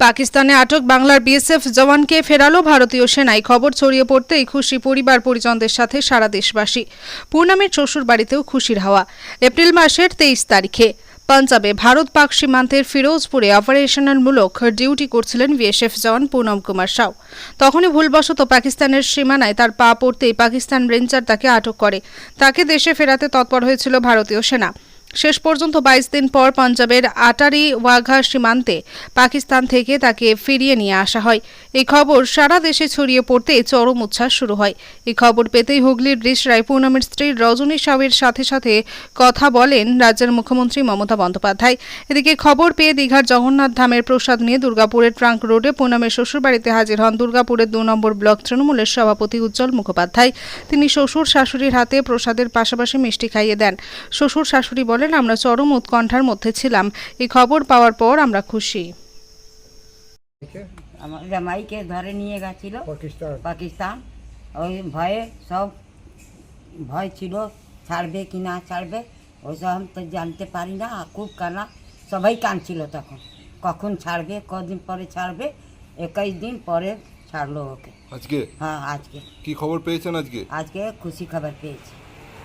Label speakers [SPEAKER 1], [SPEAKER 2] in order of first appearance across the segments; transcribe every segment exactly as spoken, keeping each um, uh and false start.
[SPEAKER 1] পাকিস্তানে আটক বাংলার বিএসএফ জওয়ানকে ফেরালো ভারতীয় সেনায়। খবর ছড়িয়ে পড়তেই খুশি পরিবার পরিজনদের সাথে সারা দেশবাসী। পূর্ণামের শ্বশুর বাড়িতেও খুশির হাওয়া। এপ্রিল মাসের তেইশ তারিখে পাঞ্জাবে ভারত পাক সীমান্তের ফিরোজপুরে অপারেশনালমূলক ডিউটি করছিলেন বিএসএফ জওয়ান পুনম কুমার সাউ। তখনই ভুলবশত পাকিস্তানের সীমানায় তার পা পড়তেই পাকিস্তান রেঞ্জার তাকে আটক করে। তাকে দেশে ফেরাতে তৎপর হয়েছিল ভারতীয় সেনা। শেষ পর্যন্ত বাইশ দিন পর পাঞ্জাবের আটারি ওয়াঘা সীমান্তে পাকিস্তান থেকে তাকে ফিরিয়ে নিয়ে আসা হয়। এই খবর সারা দেশে ছড়িয়ে পড়তে চরম উচ্ছ্বাস শুরু হয়। এই খবর পেতেই হুগলির রিষড়ায় পূর্ণমের স্ত্রী রজনী সাউয়ের সাথে সাথে কথা বলেন রাজ্যের মুখ্যমন্ত্রী মমতা বন্দ্যোপাধ্যায়। এদিকে খবর পেয়ে দীঘার জগন্নাথ ধামের প্রসাদ নিয়ে দুর্গাপুরের ট্রাঙ্ক রোডে পূর্ণমের শ্বশুরবাড়িতে হাজির হন দুর্গাপুরের দু নম্বর ব্লক তৃণমূলের সভাপতি উজ্জ্বল মুখোপাধ্যায়। তিনি শ্বশুর শাশুড়ির হাতে প্রসাদের পাশাপাশি মিষ্টি খাইয়ে দেন। শ্বশুর শাশুড়ি বলেন, আমরা চরম উৎকণ্ঠার মধ্যে ছিলাম। এই খবর পাওয়ার পর আমরা খুশি।
[SPEAKER 2] আমার জামাইকে ধরে নিয়ে গেছিল পাকিস্তান। ওই ভয়ে সব ভয় ছিল, ছাড়বে কি না ছাড়বে ওইসব আমি তো জানতে পারি না। খুব কানা, সবাই কাঁদছিল তখন, কখন ছাড়বে, কদিন পরে ছাড়বে। একুশ দিন পরে ছাড়লো ওকে।
[SPEAKER 3] আজকে?
[SPEAKER 2] হ্যাঁ আজকে।
[SPEAKER 3] কি খবর পেয়েছেন আজকে?
[SPEAKER 2] আজকে খুশি খবর পেয়েছি।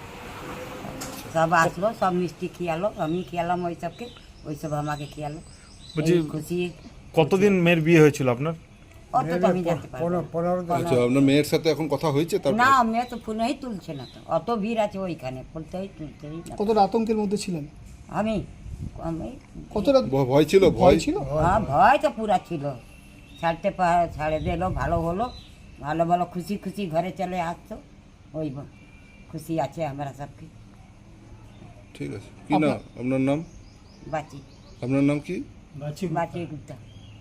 [SPEAKER 2] সব আসলো, সব মিষ্টি খিয়ালো, আমি খিয়ালাম ওই সবকে, ওই সব আমাকে খিয়ালো। খুশি।
[SPEAKER 4] কতদিন মেয়ের বিয়ে হয়েছিল আপনার?
[SPEAKER 2] অত তো আমি জানতে পারবো না।
[SPEAKER 3] আচ্ছা, আপনার মেয়ের সাথে এখন কথা হয়েছে? তারপর
[SPEAKER 2] না, মেয়ে তো ফোনেই তুলছে না, তো অত ভিড় আছে ওইখানে, বলতেই তুলতেই না।
[SPEAKER 5] কতটা আতঙ্কের মধ্যে ছিলেন?
[SPEAKER 2] আমি আমি
[SPEAKER 5] কতটা
[SPEAKER 3] ভ- ভয় ছিল? ভয়
[SPEAKER 5] ছিল?
[SPEAKER 2] হ্যাঁ, ভয় তো পুরা ছিল। ছাড়তে পা- ছাড়ে দিল, ভালো হলো, ভালো ভালো খুশি খুশি ঘরে চলে আসতো। ওই ব- খুশি আছে আমরা সবকে।
[SPEAKER 3] ঠিক আছে। কি নাম আপনার? নাম?
[SPEAKER 2] বাঁচি
[SPEAKER 3] আপনার নাম কি?
[SPEAKER 2] বাঁচি গুপ্তা।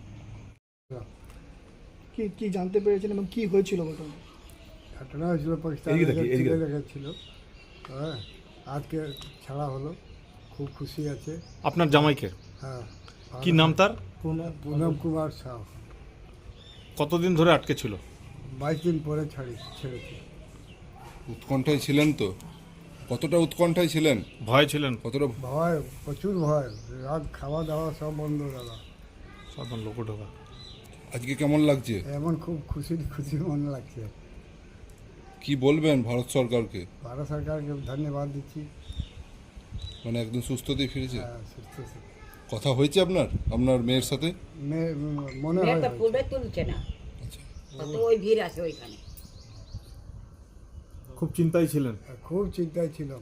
[SPEAKER 5] কি কি জানতে পেরেছেন এবং কি হয়েছিল ঘটনা?
[SPEAKER 6] ঘটনা হয়েছিল পাকিস্তান ছিল। হ্যাঁ, আজকে ছাড়া হলো, খুব খুশি আছে।
[SPEAKER 4] আপনার জামাইকে?
[SPEAKER 6] হ্যাঁ।
[SPEAKER 4] কি নাম তার?
[SPEAKER 6] পুনম কুমার সাউ।
[SPEAKER 4] কতদিন ধরে আটকে ছিল?
[SPEAKER 6] বাইশ দিন পরে ছাড়ি ছেড়েছি।
[SPEAKER 3] উৎকণ্ঠায় ছিলেন তো? কতটা উৎকণ্ঠায় ছিলেন?
[SPEAKER 4] ভয় ছিলেন?
[SPEAKER 3] কতটা?
[SPEAKER 6] ভয়, প্রচুর ভয়। রাত খাওয়া দাওয়া সব বন্ধ দাদা।
[SPEAKER 4] সাধারণ লোক ঢোকা।
[SPEAKER 3] আজকে কেমন লাগছে?
[SPEAKER 6] এমন খুব খুশি খুশি মনে লাগছে।
[SPEAKER 3] কি বলবেন ভারত সরকারকে?
[SPEAKER 6] ভারত সরকারকে ধন্যবাদ দিচ্ছি।
[SPEAKER 3] মানে একদম সুস্থতেই ফিরেছে?
[SPEAKER 6] হ্যাঁ, সুস্থ আছে।
[SPEAKER 3] কথা হয়েছে আপনার আপনার মেয়ের সাথে?
[SPEAKER 6] মেয়ে মনে
[SPEAKER 2] মেয়ে
[SPEAKER 6] হয়
[SPEAKER 2] তো ফুলে তুলছে না,
[SPEAKER 3] আচ্ছা।
[SPEAKER 2] অত ওই ভিড় আছে ওইখানে।
[SPEAKER 4] খুব চিন্তায় ছিলেন?
[SPEAKER 6] খুব চিন্তায় ছিলাম।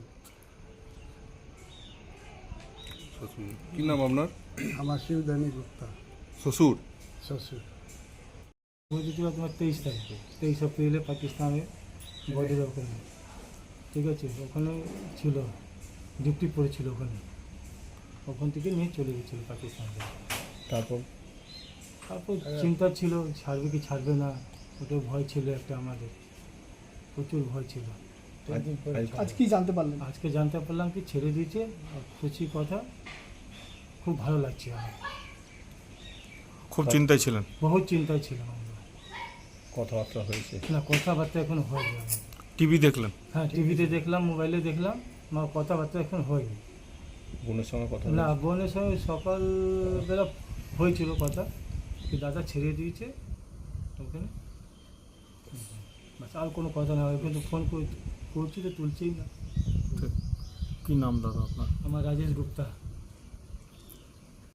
[SPEAKER 3] শ্বশুর। কি নাম আপনার?
[SPEAKER 6] আমার শিবধানী গুপ্তা।
[SPEAKER 3] শ্বশুর?
[SPEAKER 6] শ্বশুর।
[SPEAKER 7] বুঝেছিল তোমার তেইশ তারিখে, তেইশ এপ্রিলে পাকিস্তানে বর্ডারে ওখানে, ঠিক আছে, ওখানে ছিল, ডিউটি পড়েছিল ওখানে। ওখান থেকে নিয়ে চলে গেছিলো পাকিস্তানে।
[SPEAKER 4] তারপর?
[SPEAKER 7] তারপর চিন্তা ছিল, ছাড়বে কি ছাড়বে না, ওটা ভয় ছিল একটা, আমাদের প্রচুর ভয় ছিল।
[SPEAKER 5] আজ কি জানতে পারলেন?
[SPEAKER 7] আজকে জানতে পারলাম কি ছেড়ে দিয়েছে, আর খুশি কথা, খুব ভালো লাগছে আমার।
[SPEAKER 4] খুব চিন্তায় ছিলেন?
[SPEAKER 7] বহুত চিন্তায় ছিলাম আমরা।
[SPEAKER 4] কথাবার্তা হয়েছে?
[SPEAKER 7] না, কথাবার্তা এখন হয়নি আমার।
[SPEAKER 4] টিভি দেখলেন?
[SPEAKER 7] হ্যাঁ, টিভিতে দেখলাম, মোবাইলে দেখলাম, আমার কথাবার্তা এখন হয়নি।
[SPEAKER 4] বোনের সঙ্গে কথা?
[SPEAKER 7] না, বোনের সঙ্গে সকালবেলা হয়েছিল কথা, কি দাদা ছেড়ে দিয়েছে ওখানে, বাস, আর কোনো কথা না হয়। কিন্তু ফোন করছি তো তুলছেই না।
[SPEAKER 4] কি নাম দাদা আপনার?
[SPEAKER 7] আমার রাজেশ গুপ্তা।